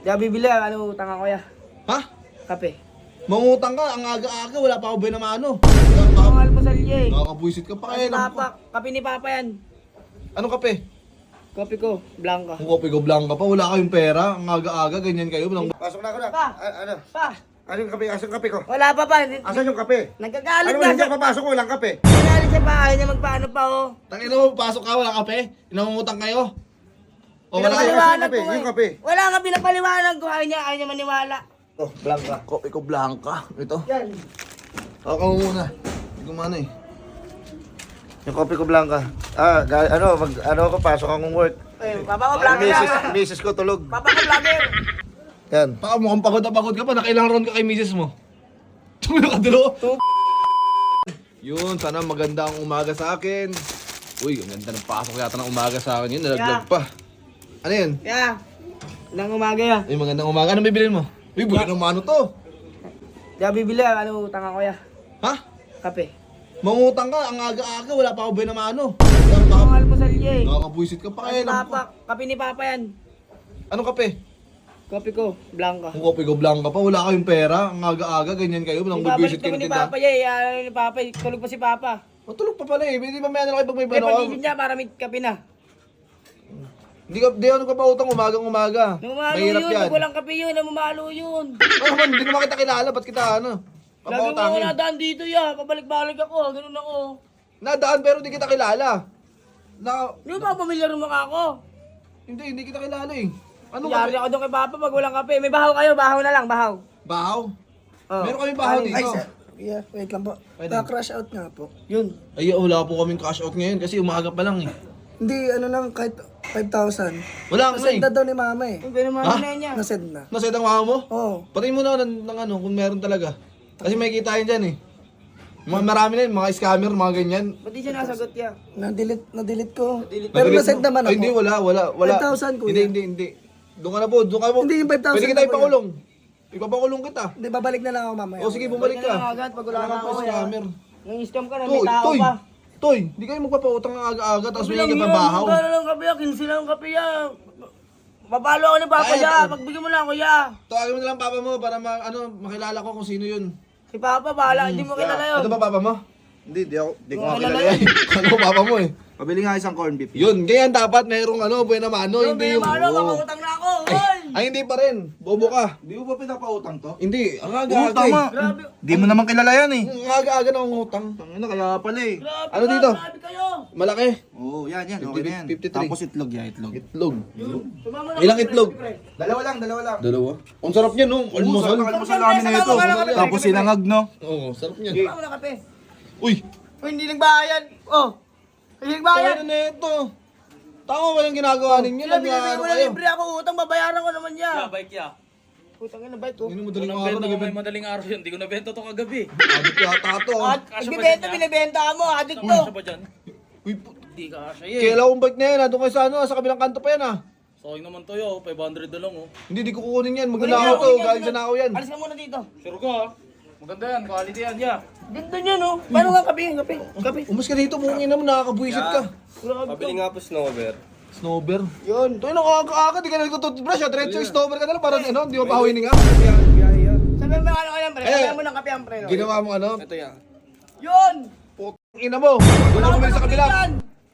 Di ako bibili, ano utang ako ya? Ha? Kape. Mangutang ka, ang aga-aga, wala pa ako ba naman ano? Ang almusal niya eh. Nakakabuisit ka pa Kasi kaya. Papa, kape ni Papa yan. Anong kape? Kopi ko, blanca. Kung kopi ko blanca pa, wala kayong pera. Ang aga-aga, ganyan kayo. Pasok na ako na. Pa! Ano? Pa! Ano yung kape? Asan yung kape ko? Wala pa pa. Asan yung kape? Nagkagalit Ano na ba hindi siya. ako papasok ko? Walang kape. Nagkagalit siya pa. Ayaw niya magpaano pa oh. Tangina mo, pasok ka, wala kape? Inangungutang kayo? O wala kayo? Pinapaliwanag kape, ko yung eh. kape. Wala nga pinapaliwanag ko. Ayaw niya maniwala. Oh, blanca. Kopi ko blanca. Ito. Yan. Ako muna. Hindi ko mana eh. Yung kape ko blanca. Ano ako, pasok akong work. Eh, Papa ko vlogger yan. Misis ko tulog. Papa ko vlogger. Yan. Baka mukhang pagod na pagod ka pa. Nakailang round ka kay misis mo. Tumulong ka dulo. Yun, sana maganda ang umaga sa akin. Uy, ang ganda ng pasok yata ng umaga sa akin yun. Nalaglag pa. Ano yun? Kaya, nang umaga yan. Ay, magandang umaga. Anong bibilin mo? Uy, buli ng mano to. Di ako bibili, ano utang ako ya? Ha? Kape. Mangutang ka, ang aga-aga, wala pa ako ba naman ano? Ang almusal niya eh. Nakakabuisit ka pa Kasi kaya. Papa, kape ni Papa yan. Anong kape? Kopi ko, blanca. Kung kopi ko blanca pa, wala kayong pera. Ang aga-aga, ganyan kayo. Nang Ibabalik bubisit kayo kami ng ni tindahan. Papa niya eh. Ano ni Papa eh. Tulog pa si Papa. Matulog pa pala eh. Hindi pa may ano kayo pag may Kaya bano ka. pagising niya para may kape na. Di ako nagpapautang umagang-umaga. Nung umalo Mahirap yun, yan. pag walang kape yun, namumalo yun. Ano man, hindi naman kita kilala. Ba't kita ano? Lagi mo ako Papautangin. nadaan dito ya. Pabalik-balik ako, ganun ako. Nadaan pero hindi kita kilala. Hindi mo ba pamilyar yung mukha ko? Hindi kita kilala eh. Ano Yari ako doon kay Papa pag walang kape. May bahaw kayo, bahaw na lang, bahaw. Bahaw? Oh. Meron kami bahaw Ay, dito. Yeah, wait lang po. Pwede. Crash out nga po. Yun. Ay, wala po kaming cash out ngayon kasi umaga pa lang eh. Hindi, ano lang, kahit 5,000. Wala nga Nasend eh. na daw ni mama eh. Yung ganun Ha? na niya. Nasend na. Nased ang mama mo? Oo. Patayin mo na ng ano kung meron talaga. Kasi may kita yun dyan eh. Marami na yun, mga scammer, mga ganyan. Ba't di siya nasagot ya? Na-delete ko. Na-delete. Pero Madalit nasend mo. naman ako. Ay, hindi, wala. 5,000 kuya. Hindi. Doon ka na po, doon ka po. Hindi, yung 5,000 Pwede kita na po ipakulong. Ipapakulong kita. Hindi, babalik na lang ako mamaya. O sige, bumalik Balik na lang ka. agad pag wala Wala na ka ako pa ya. scammer. Nang-scam ka na, may Toy, tao Toy, pa. Toy, hindi kayo magpapautang ng aga-aga tapos may Bilang ka yun, bahaw. magkano lang kape ya, 15 lang kape ya. Papalo ako ni Papa Ay, ya, ay. pagbigyan mo na ako ya. Tawagin mo na lang papa mo para makilala ko kung sino yun. Si Papa, bahala, hindi mo kilala yun. Ano ba papa mo? Hindi ko Kilala makilala yun. yan. Ano papa mo eh? Pabili nga isang corn beef. Yun, ganyan dapat mayroong buena mano, Yung hindi yung... binamalo, Oo. mangungutang na ako. Hoy! Ay, hindi pa rin. Bobo ka. Di mo ba pinapautang to? Hindi, ang Utang aga-aga nga. eh. Grabe. Di mo naman kilala yan eh. Ang aga-aga na utang. Tangina, kaya pala eh. Grabe Ano ka, dito? Grabe kayo. Malaki. Oo, yan. Okay na yan. 53. Tapos itlog yan, itlog. Itlog. Sumama na Ilang ako, itlog? pre. Dalawa lang. Dalawa. Ang sarap niya, no? Almusal. Almusal namin na ito. Tapos sinangag, no? Oo, sarap niya. Sumama na kape. Uy! Uy, hindi nagbayad. Oh. Hindi nagbayad. Ano na ito? Tama, walang ginagawa ninyo. Sila binibigay Nag-ano ko na kayo. libre ako utang, babayaran ko naman niya. Yeah, bike ya. Utang yun na bite ko. Hindi mo madaling Unang araw, benta ko may nag-ibig. madaling araw yun. Hindi ko nabenta to kagabi. Abit yata ito. At Kasya ba ibibenta, dyan, binibenta mo, adik to. Kasya ba dyan? Uy, Hindi ka kasya eh. kailan kong bike na yan, ha? Doon kayo sa ano, sa kabilang kanto pa yan, ha? Sayang naman to yo. 500 na lang oh. Hindi, di ko kukunin yan. Magnanakaw to, galing sa nakaw yan. Alis ka muna dito. Sure ko ah. Maganda yan. Quality yan ya. Ganda niya, no? Paano nga kape? Kape. Umas ka dito, mungin naman, nakakabuisit ka. Grabe to. nga po snowber. Snowber. Yun. Ito yung nakakaaga, di ka nagtututbrush, ha? Diretso yung snowber ka na lang, parang ano, di mo pahuwi nga. Sabihan mo ano yan, pre. Eh, Sabihan mo ng kape ang pre. no? Ginawa mo ano? Ito yan. Yun! Putang ina mo. Wala ko sa kabila. Yan.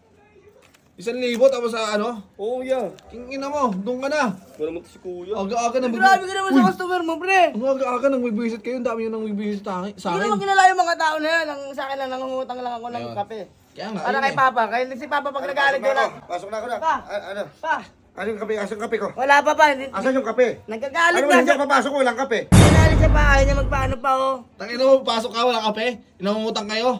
1,000 tapos sa ano? Oo, yeah. King ina mo, doon ka na. Wala mo to si kuya. Aga-aga na Grabe ka naman sa customer mo, pre. Ang aga-aga nang bibisita kayo, ang dami nyo nang bibisita sa Hindi akin. naman kinala yung mga tao na yan. Ang sa akin lang, nangungutang lang ako ng Ayun. kape. Kaya nga, Para ayun kay eh. Papa. Kaya si Papa pag nagalit ko lang. Pasok na ako na. Pa. Ano? Pa, Ano yung kape? Asan yung kape ko? wala pa pa. Asan yung kape? Nagkagalit Ano ba na hindi siya. ako papasok ko? Walang kape. Nagkagalit siya pa. Ayaw niya magpaano pa, oh. Tangina mo, pasok ka, wala kape? Inangungutang kayo?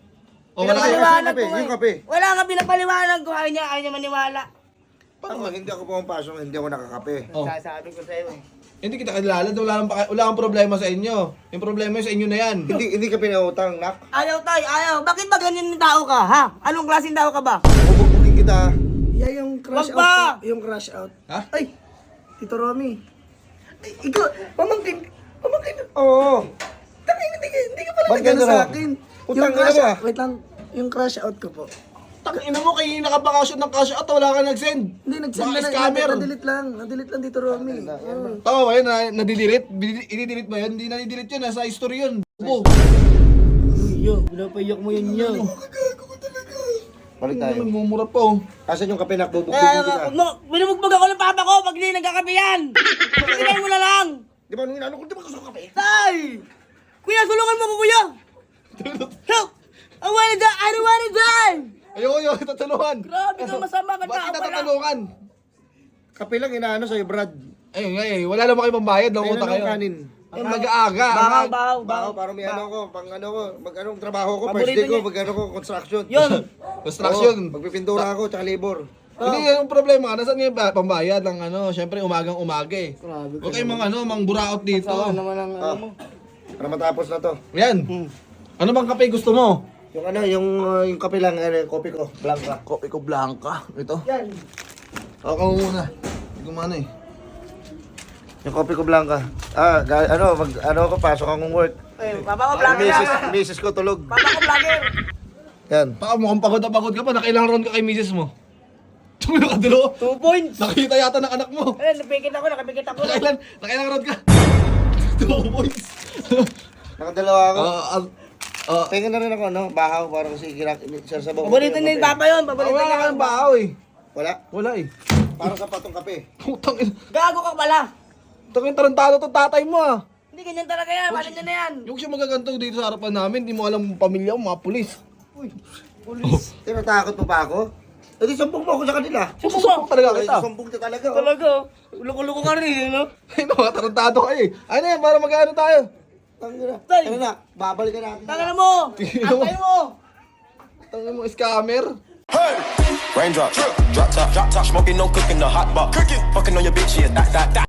O wala kayo? Pinapaliwanag kape, ko nga yung eh. kape. Wala nga pinapaliwanag ko. Ayaw niya maniwala. Paano hindi ako pumapasok, hindi ako nakakape? Oh. Sasabi ko sa'yo eh. Hindi kita kilala, wala kang problema sa inyo. Yung problema sa inyo na yan. Hindi ka pinautang, nak. Ayaw tayo, ayaw. Bakit ba ganyan yung tao ka, ha? Anong klaseng tao ka ba? Bubugbugin kita. Yeah, yung crash Wag out pa! po. Yung crash out. Ha? Ay, Tito Romy. Ay, ikaw, pamangkin. Oo. Hindi ka pala Ba't nagano ganun sa na? akin. Utang Yung ka na crash ba? out, wait lang. Yung crash out ko po. Tangina mo, kayo nakabakasyon ng cash out, wala ka nag-send. Hindi, nag-send Baka na scammer. Nadelete lang. Nadelete lang dito, Romy. Tama ba yun? Nadidelete? I-delete ba yun? Hindi nadidelete yun, nasa history yun. Bo. Yo, pinapayak mo yan yo. Balik tayo. Mumura pa oh. Asan yung kape na bubugbugin kita? Binubugbog ako ng papa ko pag hindi nagkakape yan. Tingnan mo na lang. Di ba nung inano ko, di ba gusto ko kape? Tay! Kuya, tulungan mo ko, kuya! Help! I wanna die! I don't wanna die! Ayoko, tatulungan. Grabe ka, masama ka Ba't kita wala. tatulungan? Kape lang inaano sa'yo, Brad. Ayun nga eh, wala naman kayo pambayad, Ayun nangunguta lang kayo. ang kanin. Ang mag-aaga. Bahaw. Baho, parang may ano ko, pang ano ko, mag-anong trabaho ko, Paborito first day ko, niya. mag-ano ko, construction. Yun! Construction. Oo, magpipintura ako, tsaka labor. Hindi, yung problema, nasaan yung pambayad ng ano, syempre umagang-umaga eh. Huwag kayong mang buraot dito. naman ang Ah, para matapos na to. Yan. Ano bang kape gusto mo? Yung ano, yung kape lang, ano, kopi ko, blanca. Kopi ko blanca. Ito. Yan. Ako muna. Hindi ko mana eh. Yung kopi ko blanca. Ah, ano ako, pasok akong work. Eh, papa ko vlogger yan. Misis ko tulog. Papa ko vlogger. Yan. Baka mukhang pagod na pagod ka pa. Nakailang round ka kay misis mo. Tumilo ka dalo. 2 points. Nakita yata ng anak mo. Ayun, nakapikit ako. Nakailang round ka. 2 points. Nakadalawa ako. Ah, Tingnan na rin ako, ano, bahaw, parang si sasabaw. Paborito ni Papa yun. Paborito wala niya. ka ng bahaw eh. Wala? Wala eh. Para sa patong kape. Putang ina. Gago ka pala. Tangin tarantado to tatay mo ah. Hindi ganyan talaga yan. Balik niya na yan. Yung siya magaganto dito sa harapan namin, di mo alam pamilya mo, mga pulis. Tinatakot mo pa ako? E di sumbong mo ako sa kanila. Susumbong talaga Ay, kita. sumbong ka talaga. Oh. Talaga. Loko-loko ka rin, no? Ay, mga tarantado kayo eh. Ano yan, para mag-ano tayo? Tangina. Tay. Ano na, babalikan natin. Tangana mo. Antay mo. Tangin mo, scammer. Raindrop, drop top, smoking, no cooking, the hot pot. Cooking, fucking on your bitch, yeah, that.